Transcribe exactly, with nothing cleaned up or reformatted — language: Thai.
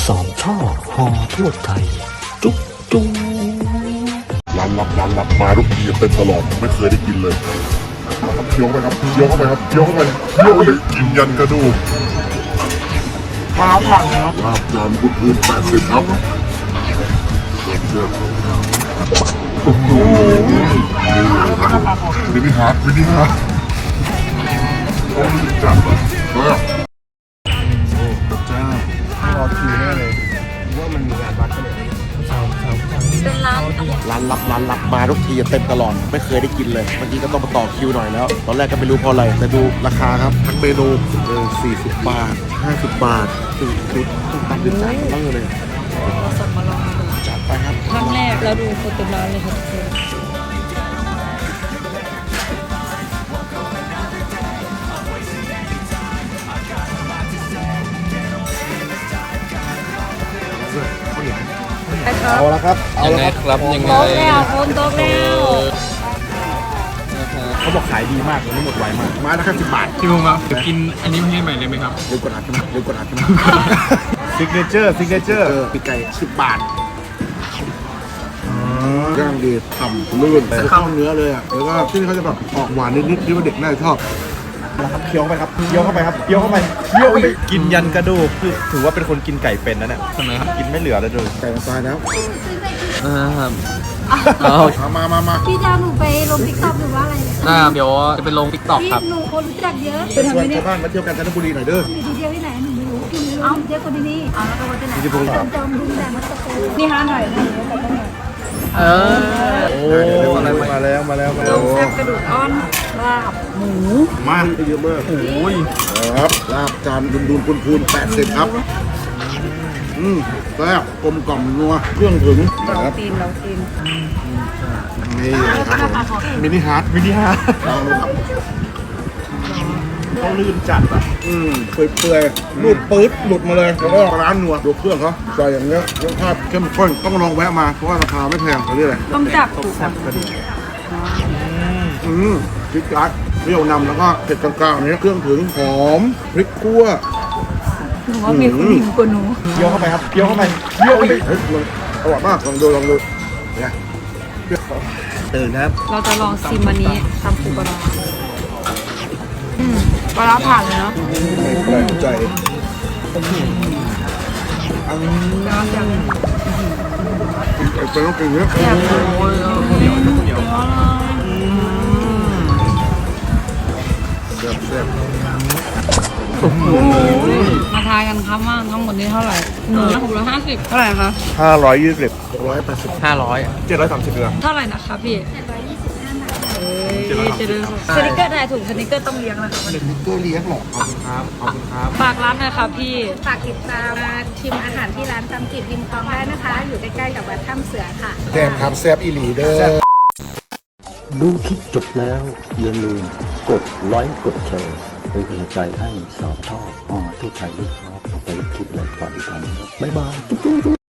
สามช่อหอทั่วไทยจุ๊บจุ๊บร้านลับร้านลับมาทุกทีเต็มตลอดไม่เคยได้กินเลยครับเคี้ยวไปครับเคี้ยวเข้าไปครับเคี้ยวเข้าไปเคี้ยวเลยกินยันกระดูกมาผ่านครับลาบจานบุญพื้นแปดสิบครับเชื่อโอ้โหมินิฮาร์ดมินิฮาร์ดต้องจัดเลยเฮ้ยจ้ารอคิวแน่เลยว่ามันมีงานวัดกันเลยเป็นร้านร้านลับร้านลับมาทุกทีเต็มตลอดไม่เคยได้กินเลยเมื่อกี้ก็ต้องมาต่อคิวหน่อยแล้วตอนแรกก็ไม่รู้เพราะอะไรแต่ดูราคาครับทั้งเมนูเออสี่สิบบาทห้าสิบบาทสี่ชุดต้องตัดเป็นจานเบอร์เลยเราสั่งมาลองดูจัดไปครับครั้งแรกแล้วดูคนเต็มร้านเลยค่ะทุกคนเอาละครับเอาละครับยังไงโต๊ะแล้วคนโต๊ะแล้วเขาบอกขายดีมากวันนี้หมดไวมากไม้ละแค่สิบบาทพี่มุ้งครับจะกินอันนี้ให้ใหม่เลยไหมครับเร็วกดอัดใช่ไหมเร็วกดอัดใช่ไหมซิกเนเจอร์ซิกเนเจอร์ปีกไก่สิบบาทย่างดีทำลื่นเข้าเนื้อเลยอ่ะแล้วก็ที่นี่เขาจะแบบออกหวานนิดๆที่ว่าเด็กน่าจะชอบนะครับเคี้ยวไปครับเคี้ยวเข้าไปครับเคี้ยวเข้าไปเคี้ยวไปกินยันกระดูกคือถือว่าเป็นคนกินไก่เป็นนะเนี่ยทำไมครับกินไม่เหลือเลยเลยไก่มันตายแล้วอ่าเอามามามาพี่จะหนูไปลงติ๊กต็อกหรือว่าอะไรเนี่ยอ่าเดี๋ยวจะไปลงติ๊กต็อกครับพี่หนูคนรู้จักเยอะไปทำไมเนี่ยชาวบ้านมาเที่ยวกันจันทบุรีหน่อยเด้อมีที่เที่ยวที่ไหนหนูไม่รู้หนูไม่รู้เอ้าเที่ยวคนที่นี่เอาแล้วก็คนที่ไหนจอมจอมดุงแดงมัตโตนี่ห้าหน่อยนะเดี๋ยวไปต้องหน่อยเออโอ้มาแล้วมาแล้วมาแล้วมาแล้วแซ่บกระดูกอ่อนลาบหมูมาเยอะมากโอ้ยครับลาบจานดุนดุนพูนพูนแปดสิบครับอืมแซ่บกลมกล่อมนัวเครื่องถึงเราตีนเราตีนนี่ครับมินิฮาร์ดมินิฮาร์ดลองดูครับเขาลื่นจัดอ่ะอืมเปื่อยๆรูดปื๊ดหลุดมาเลยแล้วก็ร้านนัวดูเครื่องเขาใส่อย่างเงี้ยรสชาติเข้มข้นต้องลองแวะมาเพราะว่าราคาไม่แพงเขาเรียกอะไรต้องจับถูกครับอืมพริกจัดเปรี้ยวนำแล้วก็เผ็ดกลางๆนี้เครื่องถึงหอมพริกคั่วหนูว่ามีคนหิวกว่าหนูเคี้ยวเข้าไปครับเคี้ยวเข้าไปเคี้ยวไปเฮ้ยอร่อยมากลองดูลองดูเนี่ยตื่นครับเราจะลองซิมอันนี้ทำปูปลาร้าอืมปลาร้าผ่านเลยเนาะแปลกใจอันนี้อย่างเป็นต้องกินเยอะแซ่บโอ้ยเดี๋ยวเดี๋ยวแซ่บแซ่บมาทายกันครับว่าทั้งหมดนี้เท่าไหร่หนึ่งหกร้อยห้าสิบเท่าไหร่คะห้าร้อยยี่สิบหกร้อยแปดสิบห้าร้อยเจ็ดร้อยสามสิบเดือนเท่าไหร่นะคะพี่เจ็ดร้อยยี่สิบห้าบาทเอ้ยเจ็ดร้อยสนิกเกอร์ถ่ายถูกสนิกเกอร์ต้องเลี้ยงนะคะสนิกเกอร์เลี้ยงหรอขอบคุณครับขอบคุณครับฝากร้านหน่อยค่ะพี่ฝากติดตามมาชิมอาหารที่ร้านตำจิตริมคลองได้นะคะ อยู่ใกล้ๆกับวัดถ้ำเสือค่ะแซ่บครับแซ่บอีหลีเด้อดูคลิปจบแล้วอย่าลืมกดไลค์กดแชร์เป็นกำลังใจให้สาวท่อหอทั่วไทยด้วยครับไปคลิปแรกก่อนกันบ๊ายบาย